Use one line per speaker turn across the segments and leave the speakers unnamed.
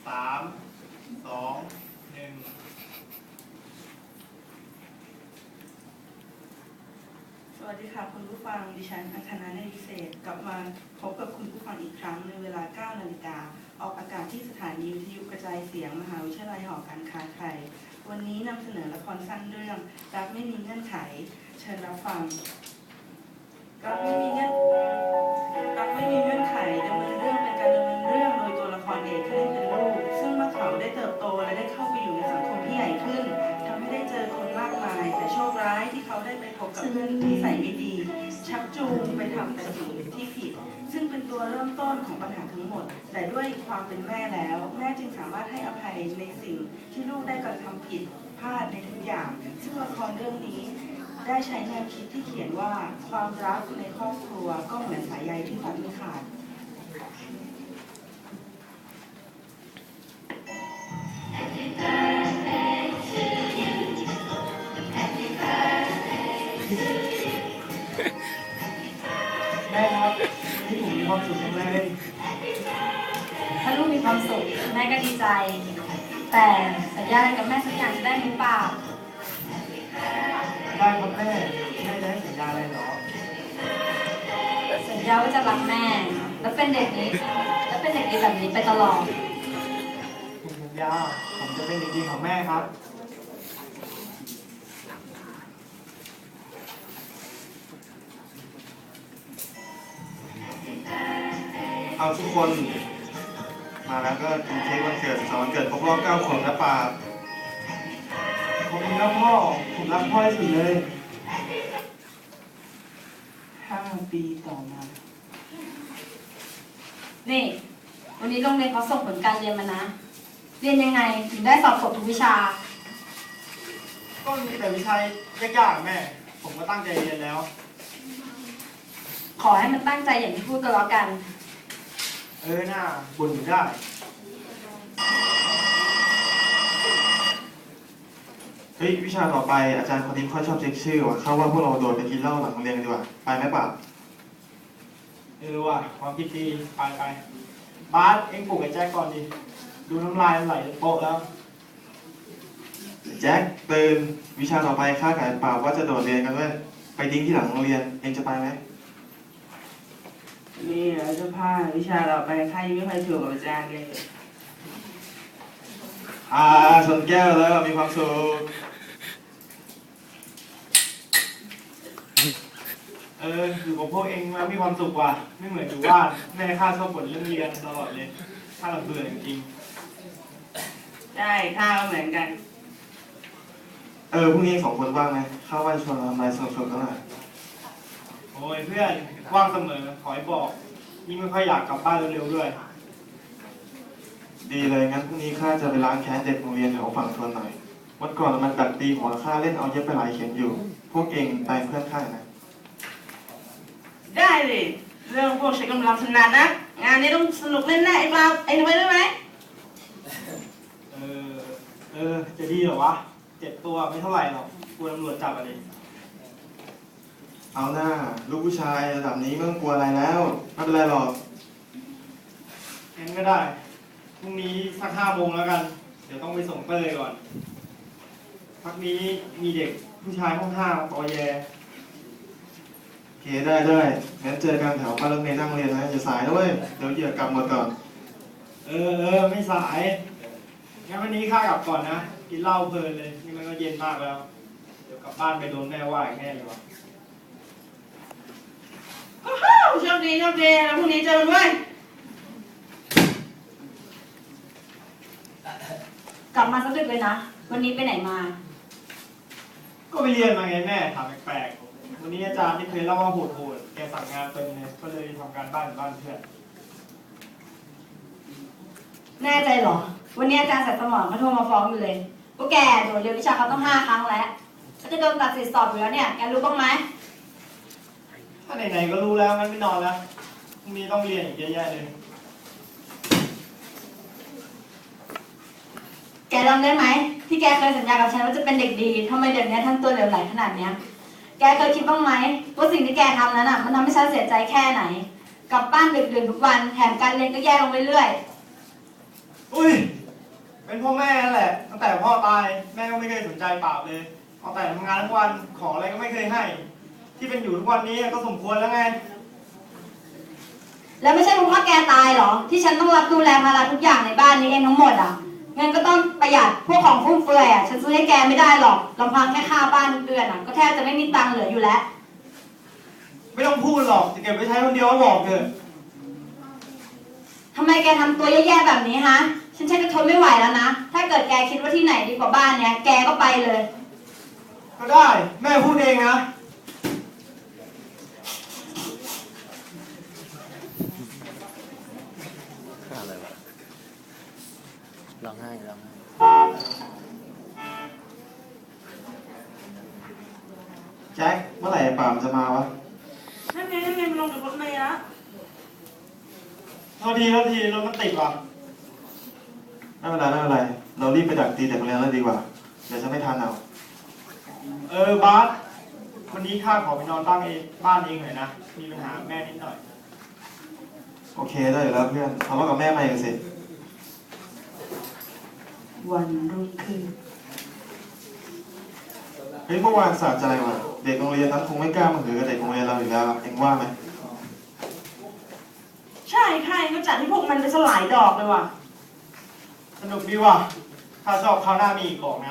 3 2 1
สวัสดีค่ะคุณผู้ฟังดิฉันอังคณาเนตรวิเศษกลับมาพบกับคุณผู้ฟังอีกครั้งในเวลา 9 นาฬิกาออกอากาศที่สถานีวิทยุกระจายเสียงมหาวิทยาลัยหอการค้าไทยวันนี้นำเสนอละครสั้นเรื่องรักไม่มีเงื่อนไขเชิญรับฟังรักไม่มีเงื่อนไขดำเนินเรื่องเป็นการดำเนินเรื่องโดยตัวละครเอกที่เล่นเป็นลูกซึ่งเมื่อเขาได้เติบโตและได้เข้าไปอยู่ในสังคมที่ใหญ่ขึ้นทำให้ได้เจอคนมากมายแต่โชคร้ายที่เขาได้ไปพบกับเพื่อนที่ใส่ไม่ดีชักจูงไปทำแต่สิ่งที่ผิดซึ่งเป็นตัวเริ่มต้นของปัญหาทั้งหมดแต่ด้วยความเป็นแม่แล้วแม่จึงสามารถให้อภัยในสิ่งที่ลูกได้กระทำผิดพลาดในทุกอย่างซึ่งละครเรื่องนี้ได้ใช้แนวคิดที่เขียนว่าความรักในครอบครัวก็เหมือนสายใยที่ตัดไม่ขาด
แม่ครับที่ผมมีความสุขจังเลย
ถ้าลูกมีความสุขแม่ก็ดีใจ แต่สัญญาอะไรกับแม่สักอย่างจะได้หรือเปล่า
ได้ครับแม่จะให้สัญญาอะไรเหรอ
สัญญาว่าจะรักแม่ แล้วเป็นเด็กดีแบบนี้ไปตลอด
ผมสัญญาผมจะเป็นเด็กดีของแม่ครับเอาทุกคนมาแล้วก็กินเค้กวันเกิดวันเกิดครบรอบ9 ขวบนะป่าขอบคุณนะพ่อผมรักพ่อที่สุดเลย
5 ปีต่อมา
นี่ วันนี้โรงเรียนเขาส่งผลการเรียนมานะ เรียนยังไงถึงได้สอบตกทุกวิชา
ก็มีแต่วิชายากๆแม่ ผมก็ตั้งใจเรียนแล้ว
ขอให้มันตั้งใจอย่างที่พูดกันแล้วกัน
หน้าบ่นอยู่ได้เฮ้ยวิชาต่อไปอาจารย์คนนี้ค่อยชอบเช็คชื่อว่ะเข้าว่าพวกเราโดดไปกินเหล้าหลังโรงเรียนกันดีกว่าไปไหมป่ะว่ะความคิดดีไปบาสเอ็งปลุกไอ้แจ็คก่อนดิดูน้ำลายมันไหลโป๊ะแล้วแจ็คตื่นวิชาต่อไปข้ากับป่าว่าจะโดดเรียนกันด้วยไปดิ้งที่หลังโรงเรียนเอ็งจะไปไหม
นี่เราจะพาวิชาเราไปใครไม่เคยถูกกับอาจารย์เลย
ชนแก้วแล้วมีความสุขอยู่กับพวกเองมามีความสุขว่ะไม่เหมือนอยู่บ้านแม่ข้าชอบบ่นเรื่องเรียนตลอดเลยข้าลำเบื่อจริง
ใช่ข้าวเหมือนกัน
พรุ่งนี้2 คนว่างไหมข้าว่าชวนเราไปสนุกๆกันหน่อยโอ้ยเพื่อนว่างเสมอขอให้บอกยิ่งไม่ค่อยอยากกลับบ้านเร็วๆด้วยดีเลยงั้นพรุ่งนี้ข้าจะไปล้างแค้นเด็กโรงเรียนแถวฝั่งทนหน่อยวันก่อนมันดักตีหัวข้าเล่นเอาเย็บไปหลายเข็มอยู่พวกเองไปเพื่อนข้านะ
ได้เลยเรื่องพวกใช้กำลังถนัดนะงานนี้ต้องสนุกแน่ๆไอ้ปาไอ้หนูไปด้วยไหม
จะดีเหรอวะเจ็บตัวไม่เท่าไหร่หรอกกลัวตำรวจจับอะไรเอาหน้าลูกผู้ชายระดับนี้ไม่ต้องกลัวอะไรแล้วไม่เป็นไรหรอกงั้นก็ได้พรุ่งนี้สัก5 โมงแล้วกันเดี๋ยวต้องไปส่งเต้ยก่อนพักนี้มีเด็กผู้ชายห้อง5 ปอแยโอเคได้งั้นเจอกันแถวป้ายรถเมล์นั่งเรียนนะอย่าสายด้วยเดี๋ยวเหยียดกลับหมดก่อนไม่สายงั้นวันนี้ข้ากลับก่อนนะกินเหล้าเพลินเลยนี่มันก็เย็นมากแล้วเดี๋ยวกลับบ้านไปโดนแม่ว่าอีกแน่เลยวะ
โชคดีแล้วพรุ่งนี้เจอกันด้วย
กลับมาสักดึกเลยนะ วันนี้ไปไหนมา
ก็ไปเรียนมาไงแม่ถามแปลกๆวันนี้อาจารย์ที่เคยเล่าว่าโหดแกสั่งงานเต็มเลยก็เลยทำการบ้านเพื่อน
แน่ใจเหรอ วันนี้อาจารย์สัตว์สมองเขาโทรมาฟ้องอยู่เลยพวกแกโดนเรียนวิชาเขาต้อง5 ครั้งแล้วก็จะโดนตัดสิทธิ์สอบอยู่แล้วเนี่ย แกรู้บ้างไหม
ถ้าไหนๆก็รู้แล้วงั้นไม่นอนแล้วพรุ่งนี้ต้องเรียนอีกเยอะแยะเลย
แกจำได้ไหมที่แกเคยสัญญากับฉันว่าจะเป็นเด็กดีทำไมเดี๋ยวนี้ทำตัวเหลวไหลขนาดเนี้ยแกเคยคิดบ้างไหมว่าสิ่งที่แกทำนั้นอ่ะมันทำให้ฉันเสียใจแค่ไหนกลับบ้านดึกๆทุกวันแถมการเรียนก็แย่ลงเรื่อยๆ
อุ้ยเป็นพ่อแม่นั่นแหละตั้งแต่พ่อตายแม่ก็ไม่เคยสนใจปราบเลยเอาแต่ทำงานทั้งวันของอะไรก็ไม่เคยให้ ที่เป็นอยู่ทุกวันนี้ก็สมควรแล้วไง
แล้วไม่ใช่เพราะว่าแกตายเหรอ ที่ฉันต้องรับดูแลภาระทุกอย่างในบ้านนี้เองทั้งหมดอ่ะงั้นก็ต้องประหยัดพวกของฟุ่มเฟือยอ่ะฉันซื้อให้แกไม่ได้หรอกลำพังแค่ค่าบ้านทุกเดือนอ่ะก็แทบจะไม่มีตังค์เหลืออยู่แล้ว
ไม่ต้องพูดหรอกจะเก็บไว้ใช้คนเดียวก็บอกเถอะ
ทำไมแกทำตัวแย่ๆแบบนี้ฮะฉันชักจะทนไม่ไหวแล้วนะถ้าเกิดแกคิดว่าที่ไหนดีกว่าบ้านเนี้ยแกก็ไปเลย
ก็ได้แม่พูดเองนะ
อะไรวะร้องไห้ร้องไห้
แจ็คเมื่อไหร่ป่ามจะมาวะ
นั่นไงมันลงจากรถเมล์แล้ว
โทษทีรถมันติดว่ะไม่เป็นไรเรารีบไปดักตีแต่โรงเรียนแล้วดีกว่าเดี๋ยวจะไม่ทันเอาบาสวันนี้ข้าขอไปนอนบ้านเองหน่อยนะมีปัญหาแม่นิดหน่อยโอเคได้อยู่แล้วเพื่อนทะเลาะกับแม่มาอีกสิ
วันรุ่งขึ้น
เฮ้ยเมื่อวานสะใจว่ะเด็กโรงเรียนนั้นคงไม่กล้ามาหือกับเด็กโรงเรียนเราอีกแล้วเอ็งว่าไหม
ใช่ก็จัดให้พวกมันไปสลายดอกเลยว่ะ
สนุกดีว่ะถ้าชอบคราวหน้ามีอีกบอกนะ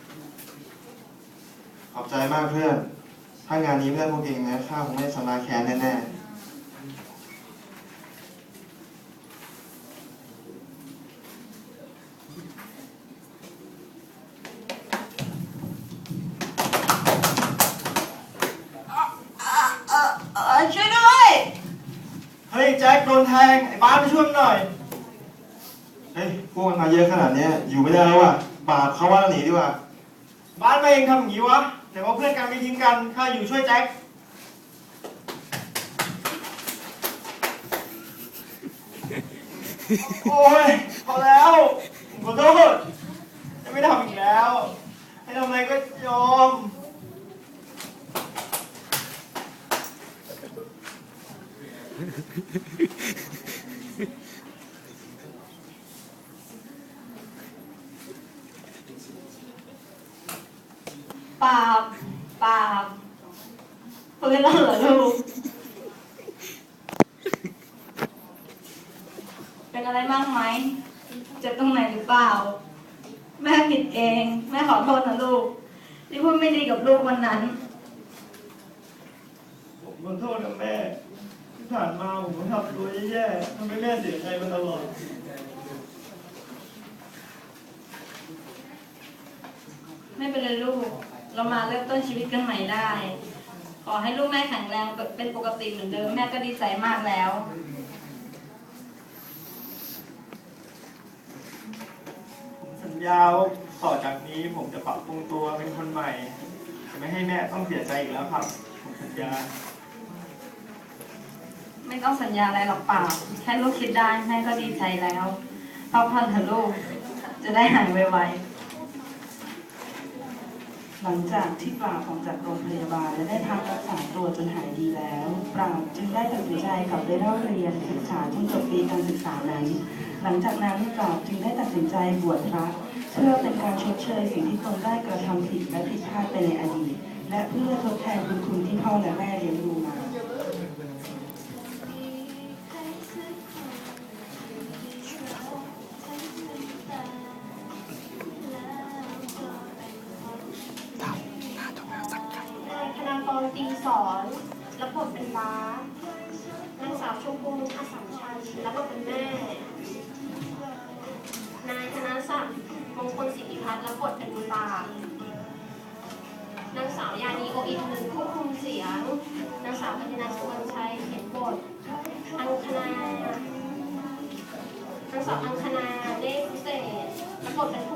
ขอบใจมากเพื่อนถ้างานนี้ไม่ได้พวกเองนะข้าคงไม่ชนะแค้นแน่ๆ
ช่วยด้วย
เฮ้ยแจ็คโดนแทงไอ้บ้านไปช่วยมันหน่อย เฮ้ยพวกมันมาเยอะขนาดนี้อยู่ไม่ได้แล้วว่ะบาปเขาว่าเราหนีดีกว่า บ้านมาเองทำอย่างนี้วะแต่ว่าเพื่อนกันไม่ทิ้งกันข้าอยู่ช่วยแจ็ค โอ้ยพอแล้วผมขอโทษจะไม่ทำอีกแล้วให้ทำอะไรก็ยอม
ปาบฟื้นแล้วเหรอลูกเป็นอะไรบ้างไหมเจ็บตรงไหนหรือเปล่าแม่ผิดเองแม่ขอโทษนะลูกที่พูดไม่ดีกับลูกวันนั้น
ผมขอโทษนะแม่ที่ผ่านมาผมก็ทำตัวแย่ๆทำให้แม่เสียใจมาตลอด
ไม่เป็นไรลูก เรามาเริ่มต้นชีวิตกันใหม่ได้ ขอให้ลูกแม่แข็งแรงเป็นปกติเหมือนเดิมแม่ก็ดีใจมากแล้ว
ผมสัญญาว่าต่อจากนี้ผมจะปรับปรุงตัวเป็นคนใหม่จะไม่ให้แม่ต้องเสียใจอีกแล้วครับ ผมสัญญา
ไม่ต้องสัญญาอะไรหรอกเปล่าแค่ลูกคิดได้แม่ก็ดีใจแล้วพักผ่อนเถอะลูก จะได้หายไวๆ
หลังจากที่ปราบออกจากโรงพยาบาลและได้พักรักษาตัวจนหายดีแล้ว ปราบจึงได้ตัดสินใจกลับไปเล่าเรียนศึกษาจนจบปีการศึกษานั้น หลังจากนั้นปราบจึงได้ตัดสินใจบวชพระเพื่อเป็นการชดเชยสิ่งที่ตนได้กระทำผิดและผิดพลาดไปในอดีต และเพื่อทดแทนบุญคุณที่พ่อและแม่เลี้ยงดูมา
นายธนากรตีสอนรับบทเป็นบาสนางสาวชมพูอาสัมชันรับบทเป็นแม่ นายธนศักดิ์มงคลสิทธิพัฒน์รับบทเป็นตานางสาวยานีโออินหนึ่งควบคุมเสียง นางสาวกัญญนาสุวรรณชัยเขียนบท อังคณานางสาวอังคณาเลขพิเศษรับบทเป็นผู้